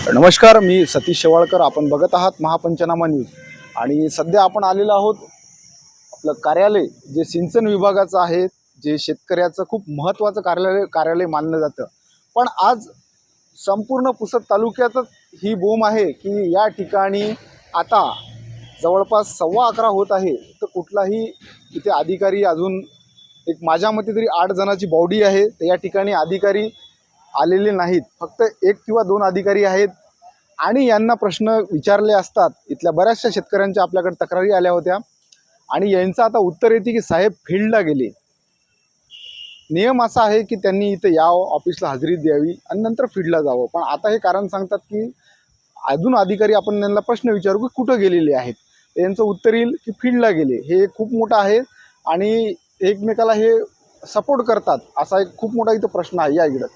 नमस्कार, मी सतीश शेवाळकर. आपण बघत आहात महापंचनामा न्यूज. आणि सध्या आपण आलेलो आहोत आपलं कार्यालय जे सिंचन विभागाचं आहे, जे शेतकऱ्याचं खूप महत्त्वाचं कार्यालय मानलं जातं. पण आज संपूर्ण पुसद तालुक्यातच ही बोम आहे की या ठिकाणी आता जवळपास 11:15 होत आहे, तर कुठलाही इथे अधिकारी अजून एक माझ्या मते तरी 8 जणांची बॉडी आहे, तर या ठिकाणी अधिकारी आलेले नाहीत. फक्त 1 किंवा 2 अधिकारी आहेत आणि यांना प्रश्न विचारले असतात. इथल्या बऱ्याचशा शेतकऱ्यांच्या आपल्याकडे तक्रारी आल्या होत्या आणि यांचं आता उत्तर येते की साहेब फील्डला गेले. नियम असा आहे की त्यांनी इथं यावं, ऑफिसला हजेरी द्यावी आणि नंतर फील्डला जावं. पण आता हे कारण सांगतात की अजून अधिकारी आपण त्यांना प्रश्न विचारू की कुठं गेलेले आहेत. यांचं उत्तर येईल की फील्डला गेले. हे खूप मोठं आहे आणि एकमेकाला हे सपोर्ट करतात असा एक खूप मोठा इथं प्रश्न आहे. या इकडं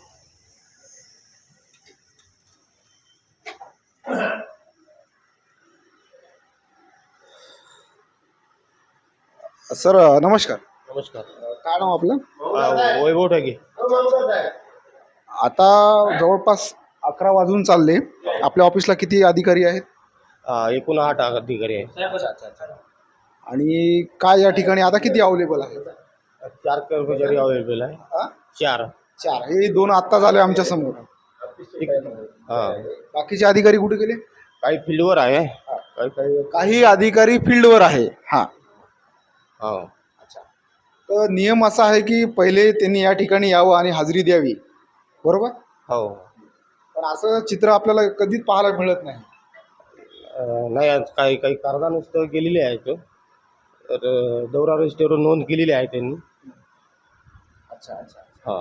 सर नमस्कार. नमस्कार. काय नाव आपलं? वैभव ठाके. आता जवळपास 11 वाजून चालले. आपल्या ऑफिसला किती अधिकारी आहेत? एकूण 8 अधिकारी आहे. आणि काय या ठिकाणी आता किती अवेलेबल आहे? 4 कर्मचारी अवेलेबल आहे. 4. हे 2 आत्ता झाले आमच्या समोर. बाकीचे अधिकारी कुठे गेले? काही फील्डवर आहे. काही अधिकारी फील्डवर आहे. हां, हो. तर नियम असा आहे की पहिले त्यांनी या ठिकाणी यावं आणि हजेरी द्यावी, बरोबर? हो. पण असं चित्र आपल्याला कधीच पाहायला मिळत नाही. नाही, आज काही काही कारणानुसार गेलेले आहेत. तर दौरा रजिस्टरवर नोंद केलेली आहे त्यांनी. अच्छा अच्छा. हां.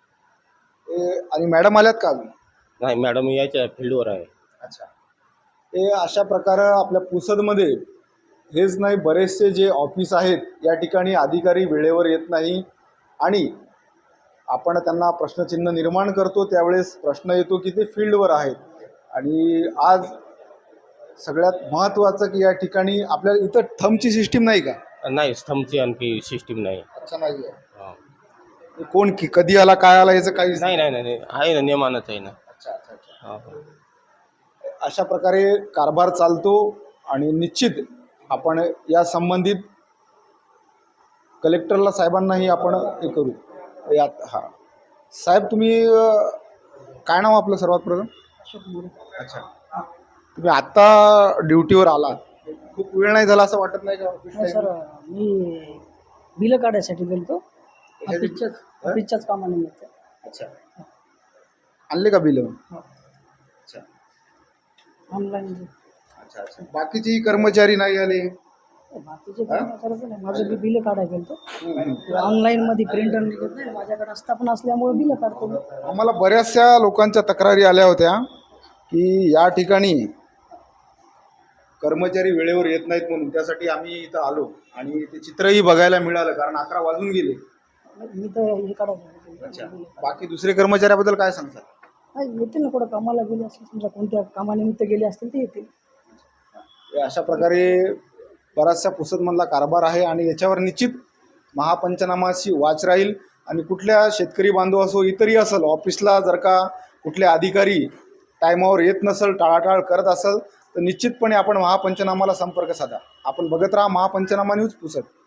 आणि मॅडम आल्यात का अजून? नाही, मॅडम यायच्या फील्डवर आहे. अच्छा. हे अशा प्रकारे आपल्या पुसदमध्ये हेच नाही, बरेचसे जे ऑफिस आहेत या ठिकाणी अधिकारी वेळेवर येत नाही आणि आपण त्यांना प्रश्नचिन्ह निर्माण करतो त्यावेळेस प्रश्न येतो की ते फील्डवर आहेत. आणि आज सगळ्यात महत्त्वाचं की या ठिकाणी आपल्याला इथं थंबची सिस्टीम नाही का? नाही, स्तंभची आणखी सिस्टीम नाही. अच्छा, नाही आहे. हां. कोण की कधी आला काय आला याचं काही नाही नाही नाही आहे ना, नियमानच आहे ना. अच्छा अच्छा अच्छा. हां. अशा प्रकारे कारभार चालतो आणि निश्चित आपण या संबंधित कलेक्टरला साहेबांनाही आपण हे करू यात. हां साहेब, तुम्ही काय नाव आपलं सर्वात प्रथम? अच्छा, तुम्ही आत्ता ड्युटीवर आलात, खूप वेळ नाही झाला असं वाटत नाही का? नाही सर, मी बिलं काढायसाठी गेलतो ऑफिसच्याच कामानिमित्त. अच्छा, आणले का बिल? अच्छा ऑनलाईन. अच्छा अच्छा. बाकीचे कर्मचारी नाही आले? बाकीचे कर्मचाऱ्याचं नाही, माझं बिलं काढायला गेलतो. ऑनलाईन मध्ये प्रिंटर निघत नाही, माझ्याकडे आस्थापन असल्यामुळे बिलं काढतो मी. आम्हाला बऱ्याचशा लोकांच्या तक्रारी आल्या होत्या की या ठिकाणी कर्मचारी वेळेवर येत नाहीत म्हणून. त्यासाठी आम्ही इथं आलो आणि ते चित्रही बघायला मिळालं, कारण 11 वाजून गेले. मी तर हे काढायला अच्छा, बाकी दुसरे कर्मचाऱ्याबद्दल काय सांगतात? नाही, येतील ना, कुठं कामाला गेले असतील, समजा कोणत्या कामानिमित्त गेले असतील ते येतील. अशा प्रकारे बराचसा पुसदमधला कारभार आहे आणि याच्यावर निश्चित महापंचनामाची वाच राहील. आणि कुठल्या शेतकरी बांधव असो, इतरही असेल, ऑफिसला जर का कुठले अधिकारी टायमावर येत नसेल, टाळाटाळ करत असेल, तर निश्चितपणे आपण महापंचनामाला संपर्क साधा. आपण बघत राहा महापंचनामा न्यूज पुसद.